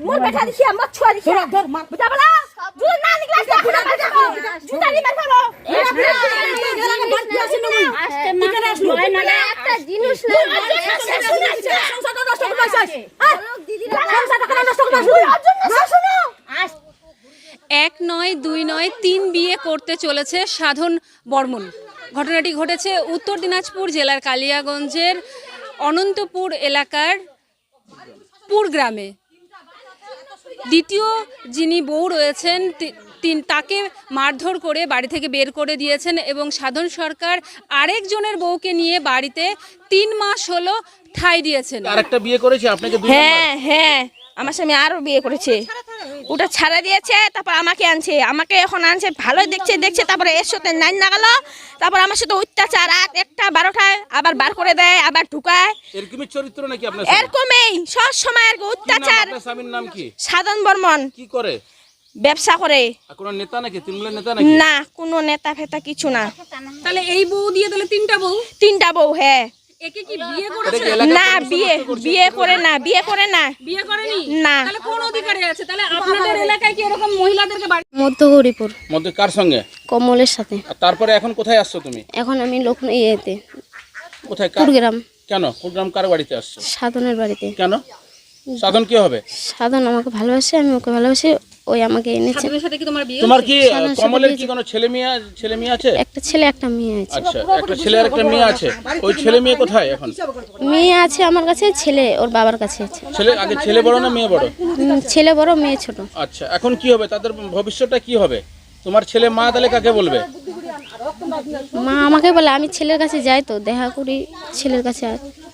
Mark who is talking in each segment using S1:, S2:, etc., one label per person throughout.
S1: মোর বেটা দিছি আমার ছুয়া দিছি ধর মার বুঝা বলা যদি না নিকলাস না খুলে মার দেবো জুতারি মার ফেলো একটা জিনিস না সংসারটা নষ্ট করতে চাইছ সংসারটা নষ্ট করতে
S2: এক নয় দুই নয় তিন বিয়ে করতে চলেছে সাধন বর্মন। ঘটনাটি ঘটেছে উত্তর দিনাজপুর জেলার কালিয়াগঞ্জের অনন্তপুর এলাকার পুর গ্রামে। দ্বিতীয় যিনি বউ রয়েছেন তাকে মারধর করে বাড়ি থেকে বের করে দিয়েছেন এবং সাধন সরকার আরেকজনের বউকে নিয়ে বাড়িতে 3 মাস হলো ঠাঁই দিয়েছেন।
S3: আরেকটা বিয়ে করেছে আপনাকে?
S1: হ্যাঁ আমার স্বামী আরো বিয়ে করেছে, ওটা ছাড়া দিয়েছে, তারপর আমাকে আনছে, আমাকে এখন আনছে ভালোই দেখছে তারপরে এর সাথে নাইন না গেল, তারপর আমার সাথে অত্যাচার রাত 1টা 12টায় আবার বার করে দেয়, আবার ঢুকায়।
S3: এরকমই চরিত্র নাকি আপনার?
S1: এরকমই সব সময় আর অত্যাচার।
S3: আপনার স্বামীর নাম কি?
S1: সাধন বর্মন। কি
S3: করে?
S1: ব্যবসা করে।
S3: কোন নেতা নাকি? তৃণমূলের নেতা নাকি?
S1: না, কোনো নেতা ফেতা কিছু না।
S2: তাহলে এই বউ দিয়ে তাহলে
S1: 3টা বউ। হ্যাঁ।
S2: একে কি বিয়ে করেছে?
S1: না, বিয়ে করে না।
S2: বিয়ে করেনি?
S1: না।
S2: তাহলে কোন অধিকারে আছে? তাহলে আপনাদের এলাকায় কি এরকম মহিলাদেরকে বাড়ি?
S4: মধ্যগৌরীপুর।
S3: মধ্যে কার সঙ্গে?
S4: কমলের সাথে।
S3: তারপরে এখন কোথায় আসছো তুমি?
S4: এখন আমি লক্ষ্ণৌতে।
S3: কোথায়?
S4: কুড়গ্রাম।
S3: কেন কুড়গ্রাম কার বাড়িতে আসছো?
S4: সাধনের বাড়িতে।
S3: কেন? সাধন কি হবে?
S4: সাধন আমাকে ভালোবাসে, আমি ওকে ভালোবাসি, ওই আমাকে এনেছে।
S2: সাধনের সাথে কি তোমার বিয়ে?
S3: তোমার কি কমলের কি কোনো ছেলে মেয়ে আছে?
S4: একটা ছেলে একটা মেয়ে আছে।
S3: আচ্ছা, একটা ছেলে আর একটা মেয়ে আছে। ওই ছেলে মেয়ে কোথায় এখন?
S4: মেয়ে আছে আমার কাছে, ছেলে ওর বাবার কাছে আছে।
S3: ছেলে বড় না মেয়ে বড়?
S4: ছেলে বড়, মেয়ে ছোট।
S3: আচ্ছা, এখন কি হবে? তাদের ভবিষ্যৎটা কি হবে? তোমার ছেলে মা তাহলে কাকে বলবে?
S4: মা আমাকে বলে, আমি ছেলের কাছে যাই তো দেখা করি ছেলের কাছে।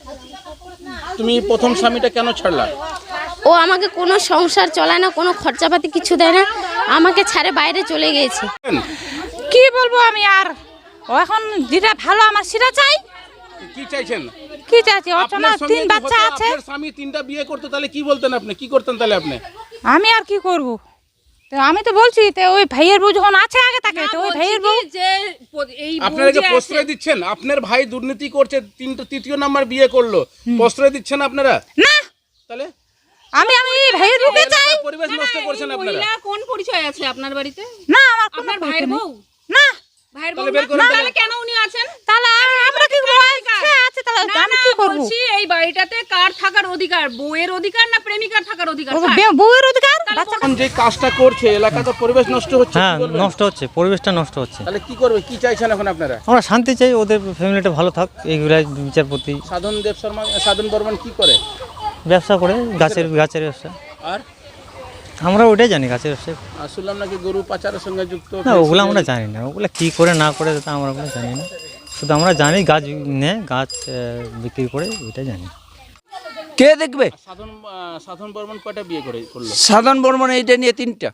S3: তুমি প্রথম স্বামীটা কেন ছাড়লা?
S4: ও আমাকে কোনো সংসার চলায় না, কোনো খরচাপাতি কিছু দেয় না, আমাকে ছাড়ে বাইরে চলে গিয়েছে।
S1: কি বলবো আমি আর, ও এখন যেটা ভালো আমার সেটা চাই।
S3: কি চাইছেন?
S1: কি চাইছি? ওর না 3 বাচ্চা আছে।
S3: আপনার স্বামী 3টা বিয়ে করতে, তাহলে কি বলতেন আপনি? কি করতেন তাহলে আপনি?
S1: আমি আর কি করব? তো আমি তো বলছি তো ওই ভাইয়ের বউ যখন আছে আগে তাকে, তো ওই ভাইয়ের বউ
S2: যে এই
S3: আপনারা যে প্রশ্রয় দিচ্ছেন, আপনার ভাই দুর্নীতি করছে, 3য় নাম্বার বিয়ে করলো, প্রশ্রয় দিচ্ছেন আপনারা?
S1: না,
S3: তাহলে
S1: আমি ভাইয়ের বউকে চাই।
S3: পরিবেশ নষ্ট করছেন আপনারা।
S2: মহিলা কোন পরিচয় আছে আপনার বাড়িতে?
S1: না, আমার
S2: আপনার ভাইয়ের বউ
S1: না।
S2: ভাইয়ের বউ
S3: তাহলে বের করুন।
S2: তাহলে কেন উনি আছেন?
S1: তাহলে আমরা কি করব? আছে তাহলে আমি কি করব?
S2: বলছি এই বাড়িটাতে কার থাকার অধিকার? বউয়ের অধিকার না প্রেমিকার থাকার অধিকার?
S1: বউয়ের অধিকার। বাচ্চা
S3: এখন যে কাজটা করছে, এলাকাতে পরিবেশ নষ্ট হচ্ছে।
S5: হ্যাঁ, নষ্ট হচ্ছে, পরিবেশটা নষ্ট হচ্ছে।
S3: তাহলে কি করবে? কি চাইছেন এখন আপনারা?
S5: আমরা শান্তি চাই, ওদের ফ্যামিলিটা ভালো থাক, এইগুলাই বিচারপতি।
S3: সাধন বর্মন কি করে?
S5: ব্যবসা করে, গাছের ব্যবসা।
S3: আর
S5: আমরা ওটাই জানি, গাছের ব্যবসা।
S3: শুনলাম নাকি গরু পাচারের সঙ্গে যুক্ত।
S5: না, ওগুলো আমরা জানি না, ওগুলো কি করে না করে তা আমরা ওগুলো জানি না। শুধু আমরা জানি গাছ নেয়, গাছ বিক্রি করে, ওইটা জানি।
S6: কে দেখবে?
S3: সাধন বর্মন কয়টা বিয়ে করলো?
S6: সাধন বর্মন এইটা নিয়ে 3টা।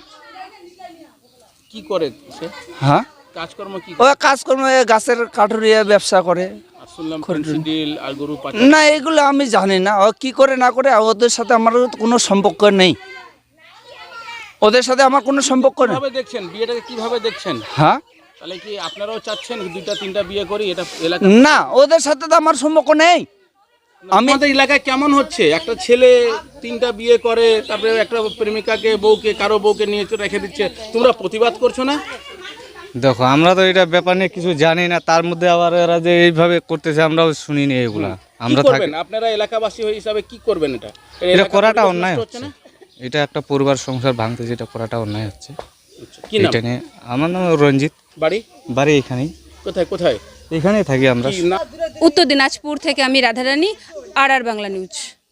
S3: কি করে সে?
S6: হ্যাঁ,
S3: কাজকর্ম কি?
S6: ও কাজকর্ম গাছের কাঠুরিয়া ব্যবসা করে।
S3: শুনলাম ডিল আর গরু পাচার।
S6: না, এগুলো আমি জানি না, ও কি করে না করে। ওদের সাথে আমার কোনো সম্পর্ক নেই, ওদের সাথে আমার কোনো সম্পর্ক নেই।
S3: কিভাবে দেখছেন বিয়েটাকে? কিভাবে দেখছেন?
S6: হ্যাঁ,
S3: তাহলে কি আপনারাও চাচ্ছেন 2টা 3টা বিয়ে করি? এটা এলাকা
S6: না, ওদের সাথে তো আমার সম্পর্ক নেই।
S3: আমাদের এলাকায় কেমন হচ্ছে? একটা ছেলে 3টা বিয়ে করে, তারপরে একটা প্রেমিকাকে কারো বউকে নিয়ে রেখে দিচ্ছে, তোমরা প্রতিবাদ করছো না?
S7: দেখো, আমরা তো এটা ব্যাপার নিয়ে কিছু জানি না, তার মধ্যে আবার এরা যে এইভাবে করতেছে আমরাও শুনিনি এগুলা। আমরা থাকি,
S3: আপনারা এলাকাবাসী হিসাবে কি করবেন?
S7: এটা করাটা অন্যায় হচ্ছে। এটা একটা পরিবার সংসার ভাঙতে যেটা করাটা অন্যায় হচ্ছে। এটা নিয়ে আমার নাম রঞ্জিত, বাড়ি এখানেই।
S3: কোথায়?
S7: এখানেই থাকি আমরা।
S2: উত্তর দিনাজপুর থেকে আমি রাধারানী, আর বাংলা নিউজ।